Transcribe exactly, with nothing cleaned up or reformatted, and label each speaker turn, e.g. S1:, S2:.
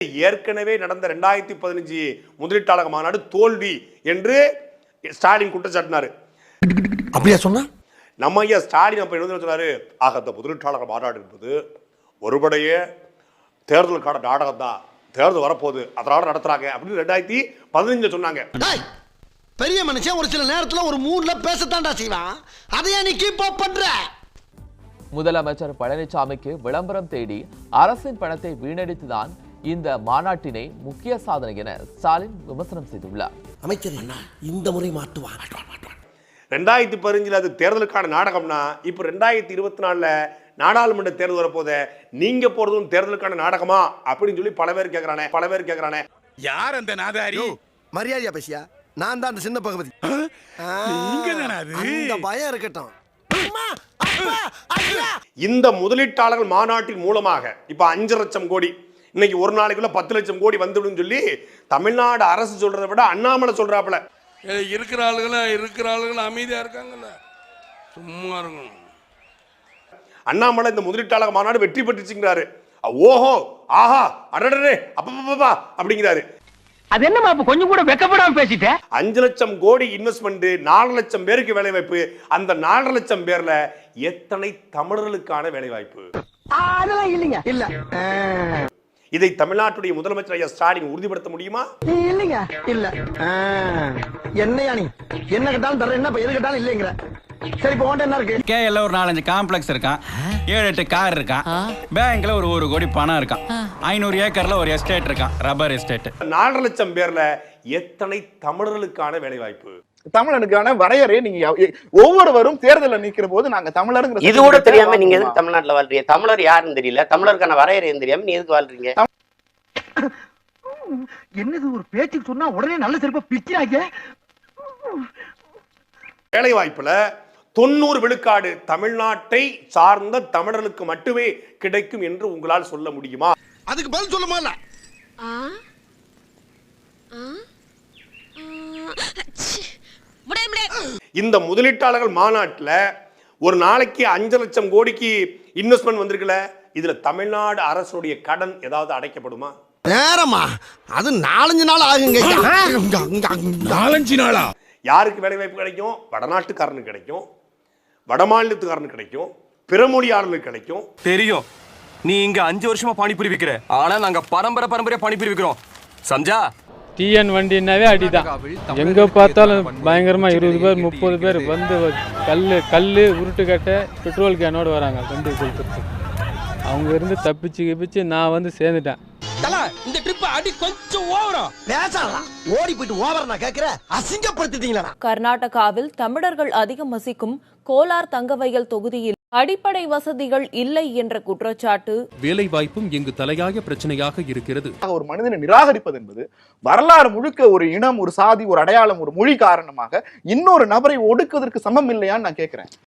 S1: ஏற்கனவே நடந்த இரண்டாயிரத்தி பதினஞ்சு முதலீட்டாளர் மாநாடு தோல்வி என்று ஸ்டாலின் குற்றச்சாட்டினாரு.
S2: அப்படியா சொன்னா?
S1: நம்ம ஐயா ஸ்டாலின் அப்ப என்ன சொன்னாரு? ஆக அந்த முதலீட்டாளர் மாநாடு என்பது ஒருபடைய தேர்தலுக்கான நாடகம் தான், தேர்தல் வரப்போகுது அதனால நடத்துறாங்க அப்படின்னு ரெண்டாயிரத்தி பதினஞ்சுல சொன்னாங்க.
S2: பெரிய மனுஷன் ஒரு சில நேரத்துல ஒரு மூணுல பேசத்தாண்டா செய்வான். அதையா நீ கீப் அப் பண்ற?
S3: முதலமைச்சர் பழனிசாமிக்கு விளம்பரம் தேடி அரசின் பணத்தை வீணடித்துதான் இந்த மாநாட்டினை முக்கிய சாதனை என ஸ்டாலின் விமர்சனம் செய்துள்ளார்.
S2: அமைச்சர் இந்த முறை மாட்டுவான்.
S1: ரெண்டாயிரத்தி பதினஞ்சுல அது தேர்தலுக்கான நாடகம்னா இப்ப ரெண்டாயிரத்தி இருபத்தி நாலுல நாடாளுமன்ற தேர்தல் வரப்போத நீங்க போறதும் தேர்தலுக்கான நாடகமா அப்படின்னு சொல்லி பல பேர் கேட்கறானே பல பேர் கேட்கறானே
S4: யார் அந்த நாதாரி?
S2: மரியாதையா பேசியா? நான் தான் அந்த சின்ன பகவதி. அந்த பயம் இருக்கட்டும்.
S1: இந்த முதலீட்டாளர்கள் மாநாட்டின் மூலமாக இப்ப அஞ்சு லட்சம் கோடி இன்னைக்கு ஒரு நாளைக்குள்ள பத்து லட்சம் கோடி வந்துடும் சொல்லி தமிழ்நாடு அரசு சொல்றதை விட அண்ணாமலை சொல்றாப்ல.
S4: இருக்கிற ஆளுகளா இருக்கிற ஆளுகள் அமைதியா இருக்காங்கல்ல, சும்மா இருக்கணும்.
S1: அண்ணாமலை இந்த முதலீட்டாளர் மாநாடு வெற்றி பெற்றுச்சுங்கிறாரு. ஓஹோ ஆஹா அடடே அப்பப்பா அப்படிங்கிறாரு.
S5: அது என்னமா கொஞ்சம் கூட வெக்கப்படாம பேசிட்ட?
S1: அஞ்சு லட்சம் கோடி இன்வெஸ்ட்மெண்ட், நாலு லட்சம் பேருக்கு வேலை வாய்ப்பு. அந்த நாலரை லட்சம் பேர்ல எத்தனை தமிழர்களுக்கான வேலை வாய்ப்பு?
S5: அதெல்லாம் இல்லைங்க. இல்ல.
S1: இதை தமிழ்நாட்டுடைய முதலமைச்சர் ஐயா ஸ்டாலின் உறுதிப்படுத்த முடியுமா?
S5: இல்லைங்க. இல்ல. என்னையா நீ என்ன கேட்டாலும் தர, என்ன எது கேட்டாலும் இல்லைங்கிற. சரி இப்போ என்ன இருக்கு?
S6: கேஎல்ல ஒரு நாலஞ்சு காம்ப்ளெக்ஸ் இருக்கான், ஏழு எட்டு கார் இருக்கான், பேங்க்ல ஒரு ஒரு கோடி பணம் இருக்கான், ஐநூறு ஏக்கர்ல ஒரு எஸ்டேட் இருக்கான், ரப்பர் எஸ்டேட்.
S1: நாலரை லட்சம் பேர்ல எத்தனை தமிழர்களுக்கான வேலை வாய்ப்பு?
S7: தமிழனுக்கான வரையறை நீங்க ஒவ்வொருவரும் தேர்தலில் நிக்கிற போது நாங்க தமிழருங்கிற
S8: இது கூட தெரியாம நீங்க எதுக்கு தமிழ்நாட்டுல வாழ்றீங்க? தமிழர் யாருன்னு தெரியல, தமிழருக்கான வரையறையும் தெரியாம நீ எதுக்கு வாழ்றீங்க?
S5: என்னது ஒரு பேச்சுக்கு சொன்னா உடனே நல்ல சிறப்பா பிச்சாங்க.
S1: வேலை வாய்ப்புல தொண்ணூறு விழுக்காடு தமிழ்நாட்டை சார்ந்த தமிழர்களுக்கு மட்டுமே கிடைக்கும் என்று உங்களால் சொல்ல முடியுமா?
S2: அதுக்கு பதில் சொல்ல முடியல.
S1: இந்த முதலீட்டாளர்கள் மாநாட்டில் ஒரு நாளைக்கு அஞ்சு லட்சம் கோடிக்கு இன்வெஸ்ட்மெண்ட் வந்திருக்கல, இதுல தமிழ்நாடு அரசுடைய கடன் ஏதாவது அடைக்கப்படுமா?
S2: நேரமா அது நாலஞ்சு நாள் ஆகுங்க.
S4: நாலஞ்சு நாளா?
S1: யாருக்கு வேலை வாய்ப்பு கிடைக்கும்? வடநாட்டுக்காரனுக்கு கிடைக்கும், வடமாநிலத்துக்காரனுக்கு கிடைக்கும், பிறமொழியாளனுக்கு கிடைக்கும்.
S9: தெரியும், நீ இங்க அஞ்சு வருஷமா பானிபூரி விக்கிற, ஆனா நாங்க பரம்பரை பரம்பரையா பானிபூரி விக்கிறோம். சம்ஜா?
S10: டிஎன் வண்டினாவே அடிதான். எங்க பார்த்தாலும் பயங்கரமா இருபது பேர் முப்பது பேர் வந்து கல்லு கல்லு உருட்டு கட்ட பெட்ரோல் கேனோடு வராங்க வண்டி கொடுத்துட்டு. அவங்க இருந்து தப்பிச்சு கிப்பிச்சு நான் வந்து சேர்ந்துட்டேன்.
S5: இந்த ட்ரிப் அடி கொஞ்சம் ஓவரா
S2: பேசலாம். ஓடி போயிட்டு ஓவரா நான் கேக்குறேன். அசிங்கப்படுத்திட்டீங்களா?
S11: கர்நாடகாவில் தமிழர்கள் அதிகம் வசிக்கும் கோலார் தங்கவயல் தொகுதியில் அடிப்படை வசதிகள் இல்லை என்ற குற்றச்சாட்டு.
S12: வேலை வாய்ப்பும் இங்கு தலையாய பிரச்சனையாக இருக்கிறது.
S7: ஒரு மனிதனை நிராகரிப்பது என்பது வரலாறு முழுக்க ஒரு இனம், ஒரு சாதி, ஒரு அடையாளம், ஒரு மொழி காரணமாக இன்னொரு நபரை ஒடுக்குவதற்கு சமம் இல்லையான்னு நான் கேட்கிறேன்.